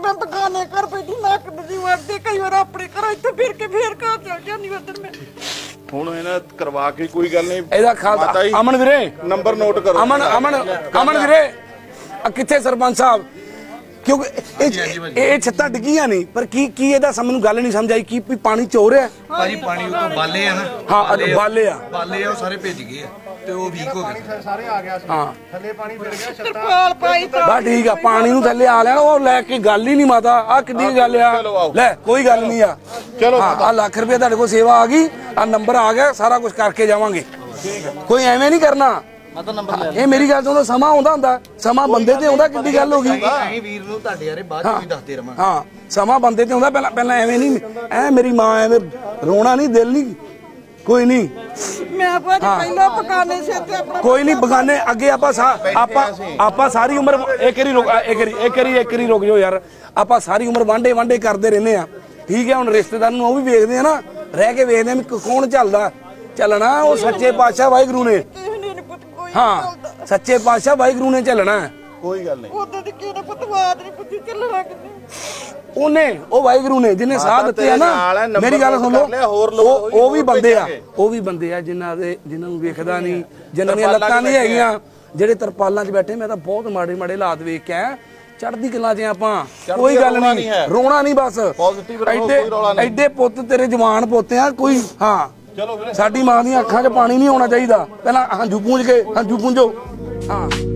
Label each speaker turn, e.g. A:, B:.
A: मैं बगाने घर बैठी मैं कदी वरदे कई बार अपने घर इत्थे फिर के फिर घर चल जानी उधर मैं
B: ਹੁਣ ਇਹਨਾਂ ਕਰਵਾ ਕੇ ਕੋਈ ਗੱਲ ਨਹੀਂ
C: ਇਹਦਾ ਖਾਤਾ ਅਮਨ ਵੀਰੇ
B: ਨੰਬਰ ਨੋਟ ਕਰੋ
C: ਅਮਨ ਵੀਰੇ ਕਿੱਥੇ ਸਰਪੰਚ ਸਾਹਿਬ ਕਿਉਂਕਿ ਇਹ ਛੱਤਾਂ ਡਿੱਗੀਆਂ ਨਹੀਂ ਪਰ ਕੀ ਇਹਦਾ ਮੈਨੂੰ ਗੱਲ ਨਹੀਂ ਸਮਝ ਆਈ ਕੀ ਪਾਣੀ ਚੋ ਰਿਹਾ
D: ਭਾਜੀ ਪਾਣੀ ਉਤੋਂ ਬਾਲੇ ਆ ਨਾ
C: ਹਾਂ ਬਾਲੇ ਆ
D: ਉਹ ਸਾਰੇ ਭੇਜ ਗਏ ਆ ਤੇ ਉਹ ਵੀਕ ਹੋ ਗਏ
E: ਸਾਰੇ ਆ ਗਿਆ ਸੀ
C: ਹਾਂ
E: ਥੱਲੇ ਪਾਣੀ ਫਿਰ ਗਿਆ ਛੱਤਾਂ
A: ਤਰਪਾਲ ਪਾਈ ਤਾਂ
C: ਬਸ ਠੀਕ ਆ ਪਾਣੀ ਨੂੰ ਥੱਲੇ ਆ ਲੈਣਾ ਉਹ ਲੈ ਕੇ ਗੱਲ ਹੀ ਨਹੀਂ ਮਾਤਾ ਆ ਕਿੱਡੀ ਗੱਲ ਆ ਲੈ ਕੋਈ ਗੱਲ ਨਹੀਂ ਆ
B: ਚਲੋ
C: ਆ ਲੱਖ ਰੁਪਏ ਤੁਹਾਡੇ ਕੋਲ ਸੇਵਾ ਆ ਗਈ ਆ ਨੰਬਰ ਆ ਗਿਆ ਸਾਰਾ ਕੁਝ ਕਰਕੇ ਜਾਵਾਂਗੇ ਕੋਈ ਐਵੇਂ ਨਹੀਂ ਕਰਨਾ ਇਹ ਮੇਰੀ ਗੱਲ ਤੋਂ ਸਮਾਂ ਆਉਂਦਾ ਹੁੰਦਾ ਸਮਾਂ ਬੰਦੇ ਤੇ ਆਉਂਦਾ ਕਿੱਡੀ ਗੱਲ ਹੋ ਗਈ
D: ਅਸੀਂ ਵੀਰ ਨੂੰ ਤੁਹਾਡੇ ਯਾਰੇ ਬਾਅਦ ਚ ਵੀ ਦੱਸਦੇ ਰਵਾਂਗੇ
C: ਹਾਂ ਸਮਾਂ ਬੰਦੇ ਤੇ ਆਉਂਦਾ ਪਹਿਲਾਂ ਐਵੇਂ ਨਹੀਂ ਐ ਮੇਰੀ ਮਾਂ ਐਵੇਂ ਰੋਣਾ ਨਹੀਂ ਦਿਲ ਨਹੀਂ ਕੋਈ ਨਹੀਂ
A: ਮੈਂ ਭਾਜੀ ਪਹਿਲਾਂ ਬਗਾਨੇ ਸੇ ਤੇ ਆਪਣਾ
C: ਕੋਈ ਨਹੀਂ ਬਗਾਨੇ ਅੱਗੇ ਆਪਾਂ ਸਾਰੀ ਉਮਰ ਇੱਕ ਵਾਰੀ ਰੁਕ ਜਾਓ ਯਾਰ ਆਪਾਂ ਸਾਰੀ ਉਮਰ ਵਾਂਡੇ ਕਰਦੇ ਰਹਿੰਦੇ ਆ ਠੀਕ ਹੈ ਹੁਣ ਰਿਸ਼ਤੇਦਾਰ ਨੂੰ ਉਹ ਵੀ ਵੇਖਦੇ ਆ ਨਾ ਰਹਿ ਕੇ ਵੇਖਦੇ ਆ ਵੀ ਕੌਣ ਚੱਲਣਾ ਉਹ ਸੱਚੇ ਪਾਤਸ਼ਾਹ ਵਾਹਿਗੁਰੂ ਨੇ ਹਾਂ ਸੱਚੇ ਪਾਤਸ਼ਾਹ ਵਾਹਿਗੁਰੂ ਨੇ ਚੱਲਣਾ
B: ਕੋਈ ਗੱਲ ਨਹੀਂ
A: ਉਦੋਂ ਦੀ ਕਿਹਨੇ ਪਤਵਾਦ ਨਹੀਂ ਪੁੱਛੀ ਚੱਲਣਾ ਕਿੰਨੇ
C: ਉਹ ਵਾਹਿਗੁਰੂ ਨੇ ਜਿਹਨੇ ਸਾਹ ਦਿੱਤੇ ਆ ਨਾ ਮੇਰੀ ਗੱਲ ਸੁਣ ਲਓ ਉਹ ਵੀ ਬੰਦੇ ਆ ਜਿਨ੍ਹਾਂ ਨੂੰ ਵੇਖਦਾ ਨਹੀਂ ਜਿਨ੍ਹਾਂ ਦੀਆਂ ਲੱਤਾਂ ਨਹੀਂ ਹੈਗੀਆਂ ਜਿਹੜੇ ਤਰਪਾਲਾਂ 'ਚ ਬੈਠੇ ਮੈਂ ਤਾਂ ਬਹੁਤ ਮਾੜੇ ਹਾਲਾਤ ਵੇਖ ਕੇ ਆਇਆ ਚੜ੍ਹਦੀ ਕਲਾ 'ਚ ਆਪਾਂ ਕੋਈ ਗੱਲ ਨਹੀਂ ਰੋਣਾ ਨਹੀਂ ਬਸ ਐਡੇ ਪੁੱਤ ਤੇਰੇ ਜਵਾਨ ਪੋਤੇ ਆ ਕੋਈ ਹਾਂ ਸਾਡੀ ਮਾਂ ਦੀਆਂ ਅੱਖਾਂ 'ਚ ਪਾਣੀ ਨਹੀਂ ਆਉਣਾ ਚਾਹੀਦਾ ਪਹਿਲਾਂ ਹੰਝੂ ਪੂੰਝ ਕੇ ਹੰਝੂ ਪੂੰਝੋ ਹਾਂ